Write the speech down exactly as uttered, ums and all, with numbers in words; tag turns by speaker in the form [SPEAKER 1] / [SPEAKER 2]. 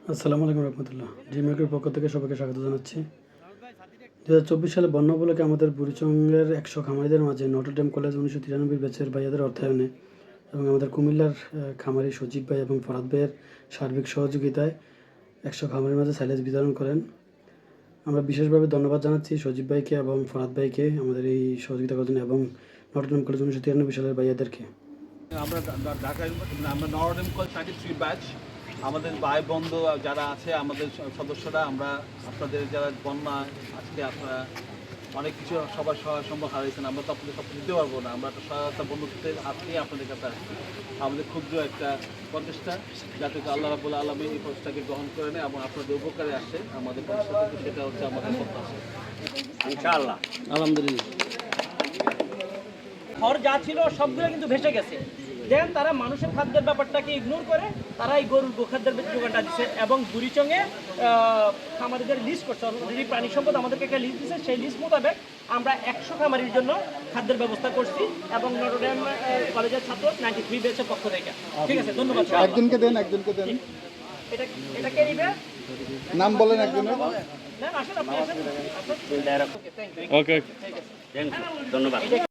[SPEAKER 1] আসসালামু আলাইকুম রহমতুল্লাহ। জিমেকের পক্ষ থেকে সবাইকে স্বাগত জানাচ্ছি। দু হাজার চব্বিশ সালে বন্যা উপলক্ষে আমাদের বুড়িচঙ্গের একশো খামারিদের মাঝে নটরডেম কলেজ উনিশশো তিরানব্বই ব্যাচের ভাইয়াদের অর্থায়নে এবং আমাদের কুমিল্লার খামারি সজীব ভাই এবং ফরাদ ভাইয়ের সার্বিক সহযোগিতায় একশো খামারির মাঝে সাইলেজ বিতরণ করেন। আমরা বিশেষভাবে ধন্যবাদ জানাচ্ছি সজীব ভাইকে এবং ফরাদ ভাইকে আমাদের এই সহযোগিতা করার জন্য এবং নটরডেম কলেজ উনিশশো তিরানব্বই সালের ভাইয়াদেরকে।
[SPEAKER 2] আমরা ঢাকা আমরা Notre Dame college thirty three batch আমাদের ভাই বন্ধু যারা আছে আমাদের সদস্যরা আমরা আপনাদের যারা বন্যা আজকে আপনারা অনেক কিছু সবার সহায় সম্ভব হারিয়েছেন, আমরা তো আপনাদের সব দিতে পারবো না। আমরা একটা সহায়তা বন্ধুত্বের হাত নিয়ে আপনাদের কাছে আসছি। আমাদের ক্ষুদ্র একটা প্রচেষ্টা যাতে আল্লাহ রাব্বুল আলামিন এই প্রচেষ্টাকে গ্রহণ করে নেয় এবং আপনাদের উপকারে আসে আমাদের প্রচেষ্টা থেকে, সেটা হচ্ছে আমাদের প্রত্যাশা ইনশাআল্লাহ।
[SPEAKER 1] আলহামদুলিল্লাহ।
[SPEAKER 3] ঘর যা ছিল সবগুলো কিন্তু ভেসে গেছে। দেন তারা মানুষের খাদ্যের ব্যাপারটাকে ইগনোর করে তারা এই গরুর গোখাদ্যের যোগানটা দিচ্ছে এবং বুড়িচঙ্গে খামারিদের লিস্ট করছে। অলরেডি প্রাণী সম্পদ আমাদেরকে একটা লিস্ট দিচ্ছে, সেই লিস্ট মোতাবেক আমরা একশো খামারির জন্য খাদ্যের ব্যবস্থা করছি এবং নটরডেম কলেজের ছাত্র নাইনটি থ্রি বেচের পক্ষ থেকে। ঠিক আছে, ধন্যবাদ।
[SPEAKER 4] একজনকে দেন একজনকে দেন
[SPEAKER 3] এটা এটা কে নিবে?
[SPEAKER 4] নাম বলেন একজনের।
[SPEAKER 3] না আসেন আপনি আসেন।
[SPEAKER 5] ওকে, ধন্যবাদ।